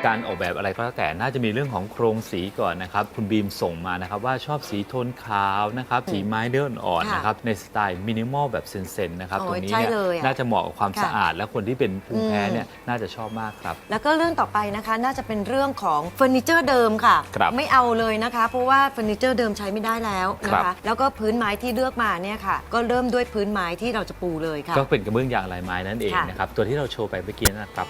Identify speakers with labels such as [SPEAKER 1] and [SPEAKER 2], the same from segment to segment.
[SPEAKER 1] การออกแบบอะไรก็แล้วแต่น่าจะมีเรื่องของโครงสีก่อนนะครับคุณบีมส่งมานะครับว่าชอบสีโทนขาวนะครับสีไม้เนื้ออ่อนๆนะครับในสไตล์มินิมอลแบบเซนๆนะครับตรงนี้เนี่ยน่าจะเหมาะกับความสะอาดและคนที่เป็นภูมิแพ้เนี่ยน่าจะชอบมากครับ
[SPEAKER 2] แล้วก็เรื่องต่อไปนะคะน่าจะเป็นเรื่องของเฟอร์นิเจอร์เดิมค่ะไม่เอาเลยนะคะเพราะว่าเฟอร์นิเจอร์เดิมใช้ไม่ได้แล้วนะคะแล้วก็พื้นไม้ที่เลือกมาเนี่ยค่ะก็เริ่มด้วยพื้นไม้ที่เราจะปูเลยค่ะ
[SPEAKER 1] ก็เป็นกระเบื้องยางลายไม้นั่นเองนะครับตัวที่เราโชว์ไปเมื่อกี้นะครับ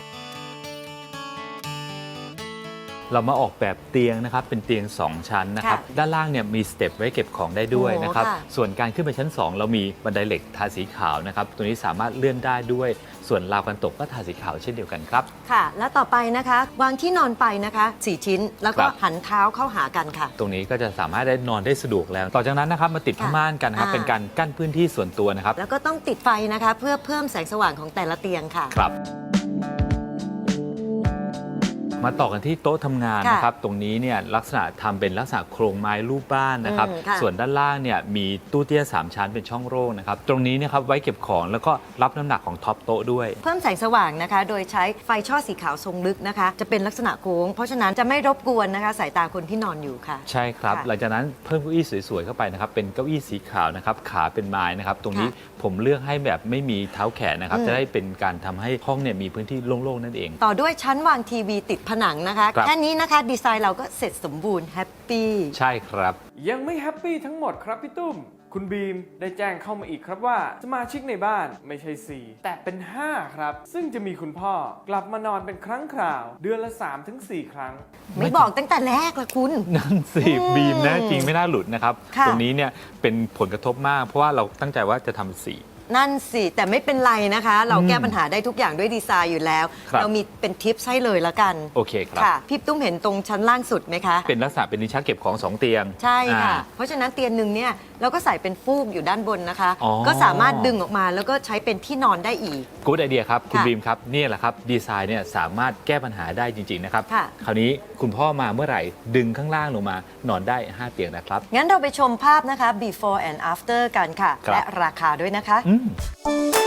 [SPEAKER 1] เรามาออกแบบเตียงนะครับเป็นเตียง2ชั้นนะครับด้านล่างเนี่ยมีสเต็ปไว้เก็บของได้ด้วยนะครับส่วนการขึ้นไปชั้น2เรามีบันไดเหล็กทาสีขาวนะครับตัวนี้สามารถเลื่อนได้ด้วยส่วนราวกันตกก็ทาสีขาวเช่นเดียวกันครับ
[SPEAKER 2] ค่ะและต่อไปนะคะวางที่นอนไปนะคะ4ชิ้นแล้วก็หันเท้าเข้าหากันค่ะ
[SPEAKER 1] ตรงนี้ก็จะสามารถได้นอนได้สะดวกแล้วต่อจากนั้นนะครับมาติดผ้าม่านกันนะครับเป็นการกั้นพื้นที่ส่วนตัวนะครับ
[SPEAKER 2] แล้วก็ต้องติดไฟนะคะเพื่อเพิ่มแสงสว่างของแต่ละเตียงค่ะ
[SPEAKER 1] ครับมาต่อกันที่โต๊ะทำงานนะครับตรงนี้เนี่ยลักษณะทำเป็นลักษณะโครงไม้รูปบ้านนะครับส่วนด้านล่างเนี่ยมีตู้เตี้ย3ชั้นเป็นช่องโล่งนะครับตรงนี้นะครับไว้เก็บของแล้วก็รับน้ำหนักของท็อปโต๊ะด้วย
[SPEAKER 2] เพิ่มแสงสว่างนะคะโดยใช้ไฟช่อสีขาวทรงลึกนะคะจะเป็นลักษณะโค้งเพราะฉะนั้นจะไม่รบกวนนะคะสายตาคนที่นอนอยู่ค่ะ
[SPEAKER 1] ใช่ครับหลังจากนั้นเพิ่มเก้าอี้สวยๆเข้าไปนะครับเป็นเก้าอี้สีขาวนะครับขาเป็นไม้นะครับตรงนี้ผมเลือกให้แบบไม่มีเท้าแขนนะครับจะได้เป็นการทำให้ห้องเนี่ยมีพื้นที่โล่งๆนั่นเอง
[SPEAKER 2] ต่อด้วยชั้นวางทีวีติดผนังนะคะแค่นี้นะคะดีไซน์เราก็เสร็จสมบูรณ์แฮปปี้
[SPEAKER 1] ใช่ครับ
[SPEAKER 3] ยังไม่แฮปปี้ทั้งหมดครับพี่ตุ้มคุณบีมได้แจ้งเข้ามาอีกครับว่าสมาชิกในบ้านไม่ใช่4แต่เป็น5ครับซึ่งจะมีคุณพ่อกลับมานอนเป็นครั้งคราวเดือนละ 3-4 ครั้ง
[SPEAKER 2] ไม่บอกตั้งแต่แรกละคุณ
[SPEAKER 1] นั่นสิบีมนะจริงไม่น่าหลุดนะครับตรงนี้เนี่ยเป็นผลกระทบมากเพราะว่าเราตั้งใจว่าจะทำ4
[SPEAKER 2] นั่นสิแต่ไม่เป็นไรนะคะเราแก้ปัญหาได้ทุกอย่างด้วยดีไซน์อยู่แล้วเรามีเป็นทิปให้เลยละกัน
[SPEAKER 1] โอเคครับ
[SPEAKER 2] พี่ตุ้มเห็นตรงชั้นล่างสุดไหมคะ
[SPEAKER 1] เป็นลักษณะเป็นลิ้นชักเก็บของ2เตียง
[SPEAKER 2] ใช่ค่ะเพราะฉะนั้นเตียงหนึ่งเนี่ยเราก็ใส่เป็นฟูกอยู่ด้านบนนะคะก็สามารถดึงออกมาแล้วก็ใช้เป็นที่นอนได้อีก
[SPEAKER 1] กู๊ดไอเดียครับคุณบีมครับนี่แหละครับดีไซน์เนี่ยสามารถแก้ปัญหาได้จริงๆนะครับคราวนี้คุณพ่อมาเมื่อไหร่ดึงข้างล่างลงมานอนได้5เตียงนะครับ
[SPEAKER 2] งั้นเราไปชมภาพนะคะ before and after กันค่ะและราคาด้วยนะคะ